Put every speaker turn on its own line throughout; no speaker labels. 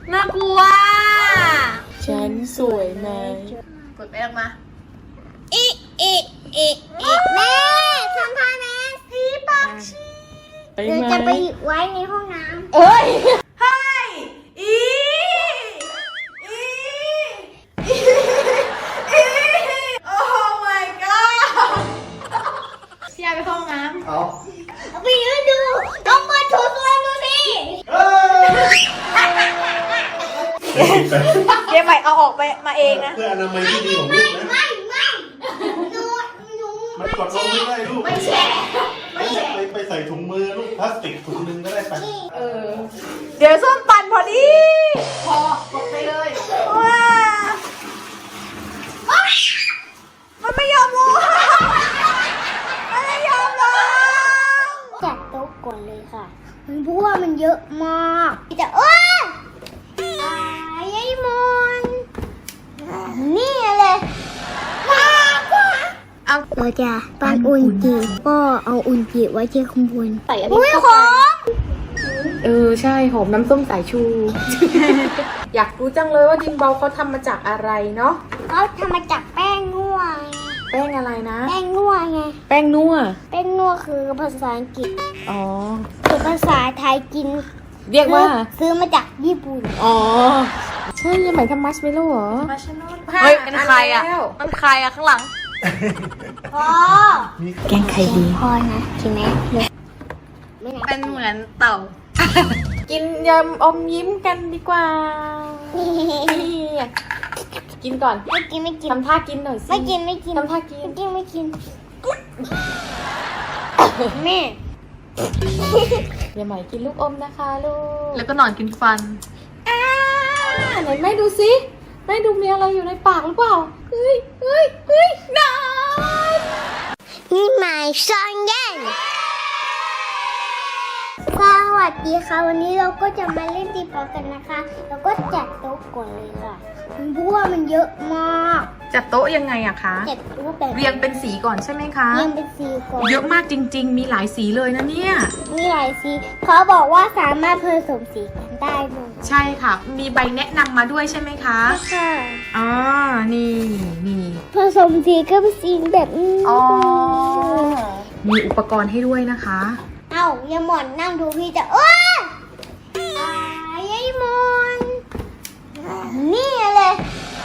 น่ากลัว
ฉันสวยไหม
กดไปออกมา
แม่ทำท่าแม่พี่ปากชีหรือจะไปไว้ในห้องน้ำ
เอ้ยให้อีโอ้ my god พี่ยายไปเข้าห้องน้ำ
เอา
ไปยืนดูต้องมาโชว์ตัวดูสิ
เดี๋ยวใหม่เอาออกไปมาเองนะ
เพื่ออนามัยที่ดีของลูกนะ
ไม่หนู
มันกดลงไม่ได้ลูก
ไม่แช่
ไปใส่ถุงมือลูกพลาสติกถุงนึงก็ได้ไป
เดี๋ยวส้มปั่นพอดีพอกดไปเลยว้ามันไม่ยอมลงมันไม่ยอมลง
จัดโต๊ะก่อนเลยค่ะมันเพราะว่ามันเยอะมากจะยายมนนี่เลยเราจะปั้นอุนจิก็เอาอุนจิไว้ที่ข้างบน
ใส่อันนี้
หอม
ใช่หอมน้ำส้มสายชู อยากรู้จังเลยว่าดินเบาเขาทำมาจากอะไรเนาะ
เขาทำมาจากแป้งนัว
แป้งอะไรนะ
แป้งนัวไง
แป้งนัว
แป้งนัวคือภาษาอังกฤษคือภาษาไทยกิน
เรียกว่า
ซื้อมาจากญี่ปุ่น
ใช่ยังหมายทำมัชเมลโล่เหรอ
เฮ้ยเป็นใครอ่ะเป็นใครอ่ะข้างหลัง
พ่อ
แกงไข่ดี
พ่อนะใช่ไหม
เป็นเหมือนเต่า
กินยำอมยิ้มกันดีกว่ากินก่อน
ไม่กิน
ทำท่ากินหน่อยสิ
ไม่กิน
ทำท่ากิน
ไม่กินแม่
อย่าหมายกินลูกอมนะคะลูก
แล้วก็นอนกินฟัน
ไหนแม่ดูสิแม่ดูมีอะไรอยู่ในปากหรือเปล่าเฮ้ยนอน
นี่หมายซอนเย็นสวัสดีค่ะวันนี้เราก็จะมาเล่นตีปอกันนะคะแล้วก็จัดโต๊ะก่อนเลยค่ะเพราะว่ามันเยอะมาก
จัดโต๊ะยังไงอะคะ
จัดโต๊ะแบบ
เรียงเป็นสีก่อนใช่ไหมคะ
เรียงเป็นสีก่อน
เยอะมากจริงๆมีหลายสีเลยนะเนี่ย
มีหลายสีเขาบอกว่าสามารถผสมสีกันได้เลย
ใช่ค่ะมีใบแนะนำมาด้วยใช่ไหมคะ
ค่ะ
นี่
ผสมสีก็เป็นสีแบบนี้
มีอุปกรณ์ให้ด้วยนะคะ
อย่าหมอนนั่งดูพี่จะยายมนนี่เลย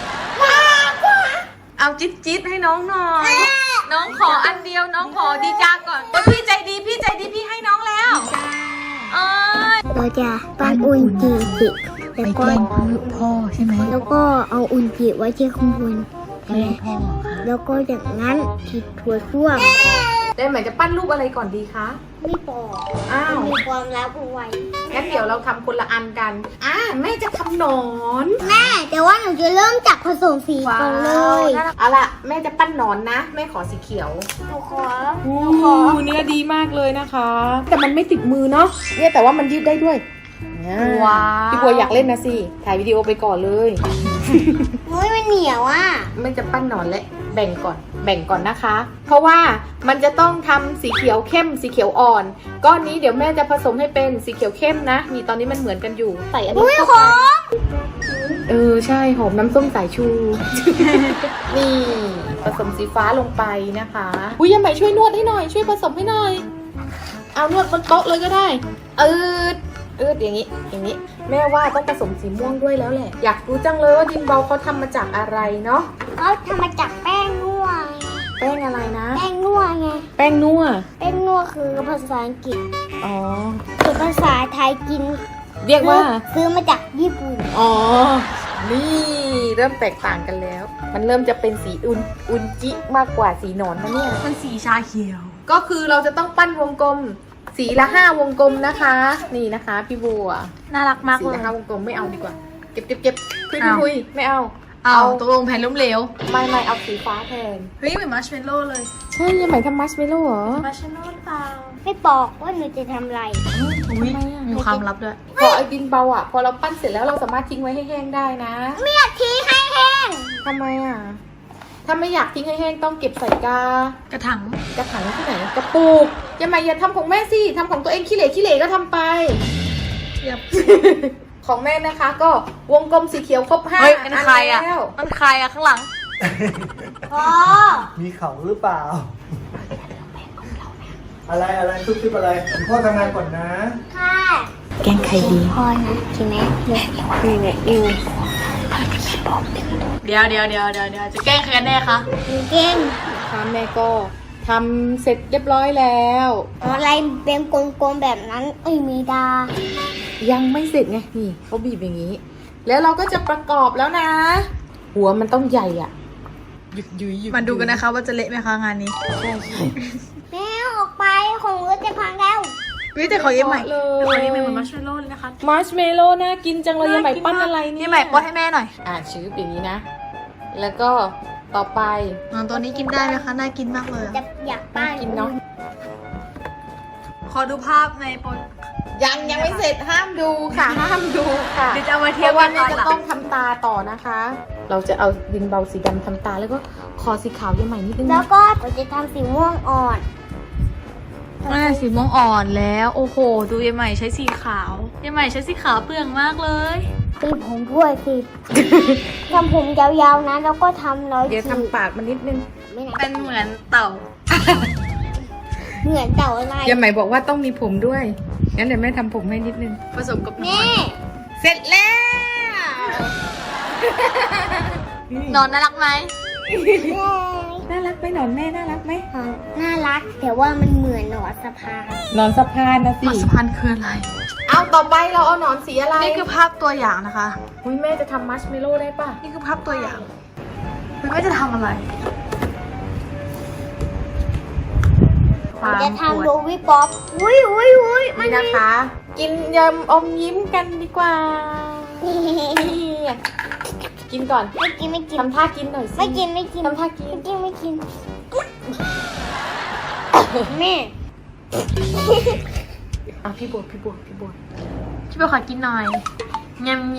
เอาจิ๊ดให้น้องหน่อยน้องขออันเดียวน้องขอดีจ้าก่อนพี่ใจดีพี่ให้น้องแล้ว
เราจะปั้นอุนจิแล้วก็
พ่อใช่ไหม
แล้วก็เอาอุนจิไว้ที่ข้างบนพ่อแล้วก็จากนั้นฉีดถั่วส้วม
ได้ไหมจะปั้นรูปอะไรก่อนดีคะ
ไม่บอกมีความลับเอาไว้
งั้นเดี๋ยวเราทำคนละอันกันแม่จะทำหนอน
แม่แต่ว่าหนูจะเริ่มจากผสมสีก่อนเลย
เอาล่ะแม่จะปั้นหนอนนะแม่ขอสีเขียว
หนูขอ
เนื้อดีมากเลยนะคะแต่มันไม่ติดมือเนาะเนี่ยแต่ว่ามันยืดได้ด้วย
ว้า
พี่บัวอยากเล่นนะสิถ่ายวิดีโอไปก่อนเลย
มันเหนียว
แม่จะปั้นหนอนและแบ่งก่อนนะคะเพราะว่ามันจะต้องทำสีเขียวเข้มสีเขียวอ่อนก้อนนี้เดี๋ยวแม่จะผสมให้เป็นสีเขียวเข้มนะนี่ตอนนี้มันเหมือนกันอยู่ใส่อันนี้
เข้าไป
ใช่หอมน้ำส้มสายชู นี่ผสมสีฟ้าลงไปนะคะยังไหมช่วยนวดให้หน่อยช่วยผสมให้หน่อยเอานวดบนโต๊ะเลยก็ได้อย่างนี้แม่ว่าต้องผสมสีม่วงด้วยแล้วแหละอยากรู้จังเลยว่าดินเบาเขาทำมาจากอะไรเนาะ
เขาทำมาจากแป้งนัว
แป้งอะไรนะ
แป้งนัวไง
แป้งนัว
คือภาษาอังกฤษ
คือ
ภาษาไทยกิน
เรียกว่า
ซื้อมาจากญี่ปุ่น
นี่เริ่มแตกต่างกันแล้วมันเริ่มจะเป็นสีอุนจิมากกว่าสีหนอนนะเนี่ย
มันสีชาเขียว
ก็คือเราจะต้องปั้นวงกลมสีละ5 วงกลมนะคะนี่นะคะพี่บัว
น่ารักมากเลย
สีละ5 วงกลมไม่เอาดีกว่าเก็บคุยไม่เอา
ตกลงแผ่นล้มเหลว
ไม่เอาสีฟ้าแทน
เฮ้ยเหมือนมัชเมลโล่เลย
ใช่ยังหมายทำมัชเมลโล่เหรอ
มัชเมลโล่เปล่า
ไม่บอกว่าหนูจะทำอะไร
มีความลับด้วย
พอไอ้ดินเบาพอเราปั้นเสร็จแล้วเราสามารถทิ้งไว้ให้แห้งได้นะ
ไม่อยากทิ้งให้แห้ง
ทำไมถ้าไม่อยากทิ้งให้แห้งต้องเก็บใส่
กระถาง
ที่ไหนกระปุกอย่าทำของแม่สิทำของตัวเองขี้เหร่ก็ทำไป
อย่า
ขของแม่นะคะ ก็วงกลมสีเขียวครบ5
เฮ้ยเป็นใครอ่ะ
แล้ว
มันใครอ่ะข้างหลัง
พ่อ
มีเขาหรือเปล่า อะไรทุกทิปอะไรคุณพ่อทำงานก่อนนะ
ค่ะ
แกงไข่ดี
พ่อนะใช่ไหมนี่
เดี๋ยวจะแกล้งใครกันแน่คะ
เก่ง
ค่ะแม่ก็ทำเสร็จเรียบร้อยแล้ว
อะไรเป็นกลมๆแบบนั้นมีดา
ยังไม่เสร็จไงนี่เขาบีบอย่างนี้ แล้วเราก็จะประกอบแล้วนะ หัวมันต้องใหญ่อ่ะหยุดยุยหยุด
มาดูกันนะคะว่าจะเละไหมคะงานนี้
ใช่
แม่ออกไปของรถจะพังแล้ว
วิแต่ของเยี่ยมใหม่
เลย
ของเยี่ยมใหม่เหมือนมัชเมลโล่เลยนะคะ
มาร์ชเมลโล่น่ากินจังเลยยังใหม่ปั้นอะไรเนี่ย
เยี่ยมใหม่ป้อนให้แม่หน่อย
ชื้ออย่างนี้นะ แล้วก็ต่อไป
ตัวนี้กินได้ไหมคะน่ากินมากเลย
จะอยากป้า
กินเนาะ
ขอดูภาพในโปร
ยังไม่เสร็จห้ามดูค่ะ ห้ามดูค่ะ
เดี๋ยวจะเอามา
เพ
เทียบ
ราะว่า
กันต
นี่
อน
จะ
หลัง
ต้องทำตาต่อนะคะ เราจะเอาดินเบาสีดำทำตาแล้วก็คอสีขาวยังใหม่นิดนึง
แล้
นะ
วก็เราจะทำสีม่วงอ่อน
สีม่วงอ่อนแล้วโอ้โหดูเยี่ยมใหม่ใช้สีขาวเยี่ยมใหม่ใช้สีขาวเปลืองมากเลย
ตีผมด้วยสิ ทำผมยาวๆนะแล้วก็ทำร้อย
เดี๋ยวทำปากมันนิดนึง
ไม่นะ
เป็นเหมือนเต่า
เหมือนเต่าอะไร
ยังใหม่บอกว่าต้องมีผมด้วยงั้นเดี๋ยวแม่ทำผมให้นิดนึง
ผสมกับหนอ
แม่
น
เสร็จแล้ว
นอนน่ารักไหม
น่ารักไหมหนอนแม่น่ารักไหม
น่ารักแต่ว่ามันเหมือนหนอนสะพาน
นอนสะพานนะสิ
หนอนสะพานคืออะไร
เอาต่อไปเราเอาหนอนสีอะไร
นี่คือภาพตัวอย่างนะคะ
อุ้ยแม่จะทำมัชเมลโล่ได้ป่ะ
นี่คือภาพตัวอย่างคุณแม่จะทำอะไร
ผมจะทำโรวิป๊อปอุ้ยมัน
นี่นะคะ กินยำอมยิ้มกันดีกว่า กินก่อน
ไม่กิน
ทำท่ากินหน่อยสิ
ไม่กิน
ทำท่ากิน
ไม่กินแม่
อ่ะพี่บวช
ช่วยขอกินหน่อยยำ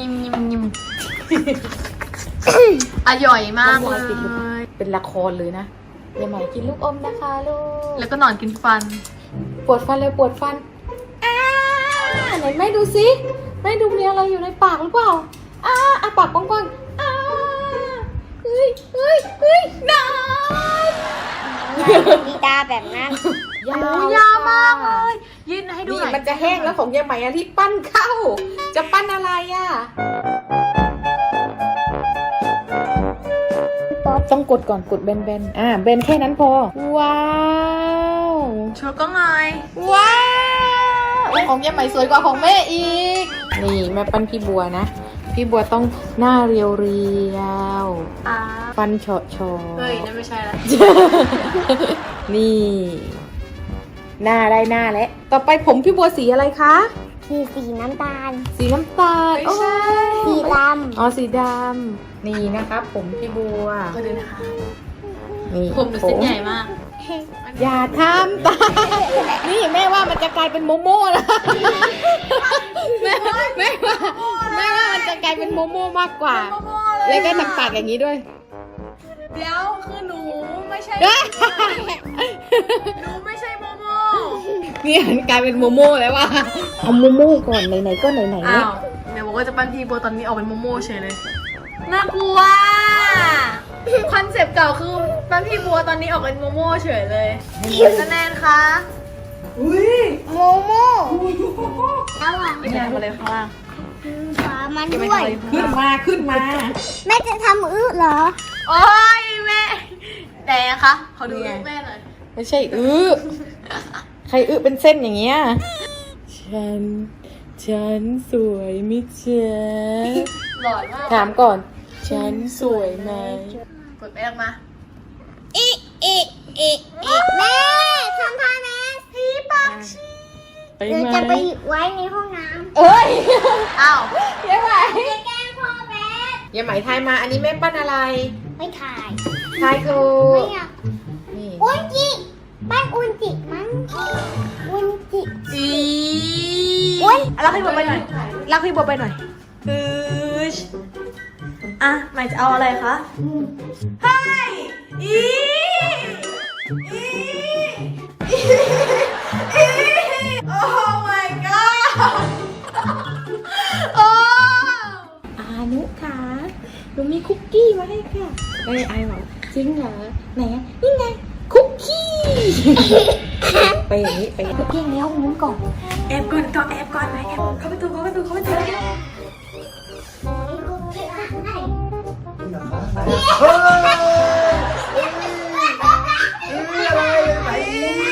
อร่อยมากเลย
เป็นละครเลยนะยายใหม่กินลูกอมนะคะลูก
แล้วก็หนอนกินฟัน
ปวดฟันเลยปวดฟันไหนแม่ดูสิแม่ดูมีอะไรอยู่ในปากหรือเปล่าปากกว้างๆเฮ้ยหนอน
ดีตาแบบนั้น
ยาวมากเลยยืนให้ดู
นี่
หน่อย
มันจะแห้งแล้วของยายใหม่อะที่ปั้นเข้า จะปั้นอะไรอ่ะต้องกดก่อนกดแบนๆเบนแค่นั้นพอว้าว
โชว์ก็ไง
ว้าวของยายใหม่สวยกว่าของแม่อีกนี่แม่ปั้นพี่บัวนะพี่บัวต้องหน้าเรียวๆฟันเฉาะ
เฮ้ยนั่นไม่ใช่ละ
นี่หน้าได้หน้าแล้วต่อไปผมพี่บัวสีอะไรคะ
สีน้ำตาล
สีน้ำตาล
ไม่ใช่
สีด
อ๋อสีดำนี่นะคะผมพี่บัว
ก็ดูนะคะ
นี่
ผมหนูเส้นใหญ่มาก
อย่าทำตานี่แม่ว่ามันจะกลายเป็นโมโม่แล้วแม่ว่ามันจะกลายเป็นโมโม่มากกว่า แล้วก็ทำปากอย่างนี้ด้วย
เดี๋ยวคือหนูไม่ใช่ หนูไม่ใช่โมโม
นี่มันกลายเป็นโมโม่แล้วว่ะเอาโมโม่ก่อนไหนๆก็ไหนๆ
อ้า
แล้ว
วเดี๋ยวบอกว่าจะปั้นพี่โบตอนนี้ออกเป็นโมโม่เฉยเลย น่ากลัวคอนเซปต์เก่าคือปั้นพี่บัวตอนนี้ออกเป็นโมโม่เฉยเลยแนนคะ
ำโมโม่ระหว่าง
แนนมาเลยข้างล่าง
ขามันด้วย
ขึ้นมา
แม่จะทำเหรอ
โอ้ยแม่แต่คะเขาดูรูปแม่หน่อย
ไม่ใช่ใครเป็นเส้นอย่างเงี้ยฉันสวยมิเจ๊
หล่อมาก
ถามก่อน ฉันสวยไหม
กดแม่ออกมา
แม่ทำท่าแม่สีปากชี
ไป
หรือ
ไหม
จะไปไว้ในห้องน้
เอ้ย
อ้าว
ยายไหม
ำจะแกล้งพ่อแม่
ยายไหมทายมา อันนี้แม่ปั้นอะไร
ไม่ถ่าย
ทายถู
ไม่
ก
อยาก
นี่
อุนจิบ้านอุนจิมั้งอุนจิ
อี
อุ๊ย
รักพี่บัวไปหน่อยรักพี่บัวไปหน่อยอ่ะหมายจะเอาอะไรคะเฮ้ยอีโอ้ my god โอ้
นุค่ะหนูมีคุกกี้มาให้ค่ะไอบอกจริงเหรอไหนอะนี่ไงคุกกี้ ไปอย่างนี้ไปอย่างนี้เพียงแล้วมุ้งก่อนแอบก่อนแอบก่อนไหมแอบเข้าประตู
นี่เหรอคะไหนเฮ้ยอะไรไหน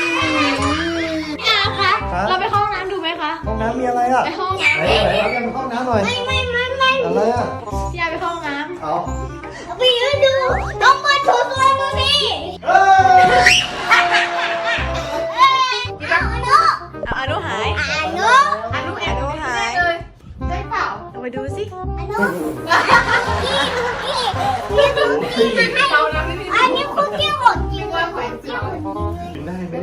อาคะเราไปเข้าห้องน้ำดูไหมคะ
ห้องน้ำมีอะไรอ่ะ
ไปห้องน้
ไหนเรายังห้องน้ำหน่อยอะไรอ่ะ
ำพี่ยาไปเข้าห้องน้
เอา
ไปยืนดูน้องมาโชว์ตัวดูสิ
เฮ้ย
ำอนุหาย
อานุ
อนุแอบดูหายเลยได้เปล่าเอาไปดูสิ
อานุพี่คุกกี้มาให้
เรานะพี่
อันนี้คุกกี้หมดจริงว่าแขวนเจียว
กินได้ไหม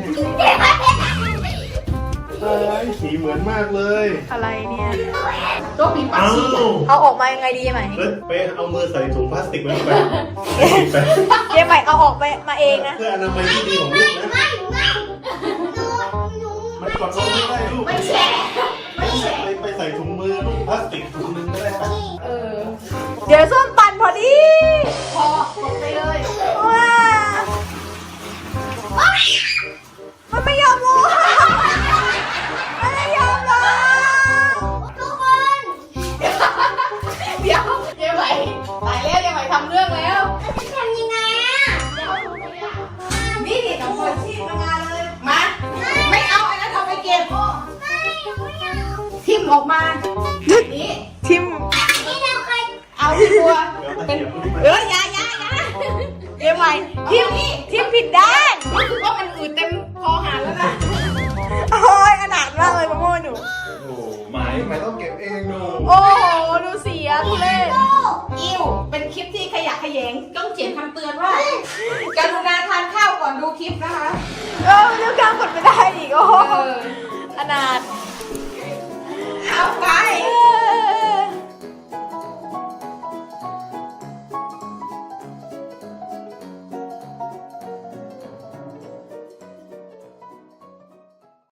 เนี่ยสีเหมือนมากเลย
อะไรเนี่ย
โต๊ะปีปัก
อ้า
ชี
ว
เอาออกมายังไงดีไหม
แล้วไปเอามือใส่ถุงพลาสติกไว้ไปไป
เจ๊ใหม่เอาออกไปมาเองนะ
เพื่ออนามัยที่ดีของลูกนะ
ไม่หนู
มันกดลงไม่ได้ลูก
ไม่แฉะไม่แฉะ
ไปใส่ถุงมือลูกพลาสติกถุงนึงก็ได้ครับ
เดี๋ยวส้มปั่นพอดี
พอตกไปเลย
ว้ามันไม่ยอมลงมันไม่ยอมลง
ทุกคน
เดี๋ยวเยังไงตายแล้วยังไงทำเรื่องแล้ว
แล้วจะทำยังไงอ่ะ
นี่นี่ต้องคนชีพมางานเลยมาไม่เอาอันนั้นเอาไปเก็บ
ไม่เอา
ทิมออกมานี่
ทิม
นี่เราเคย
เอาที่บัว
เดี๋ยวตะเกียบลูกไป
อย่าเจ๊ใหม่ทิมทิมผิดด้าน
รู้สึกว่ามันอืดเต็มคอหานแล้วนะ
โอ้ยอนาถมากเลยมะม่วงหนู
โอ้หมายต้องเก็บเองดู
โอ้โหดูเสียทุเล่น
อิวเป็นคลิปที่ขยะแขยงต้องเขียนคำเตือนว่า กรุณาทานข้าวก่อนดูคลิปนะคะ
เออเรื่องการกดไม่ได้อีกโอ้โห
เออ
อนาถ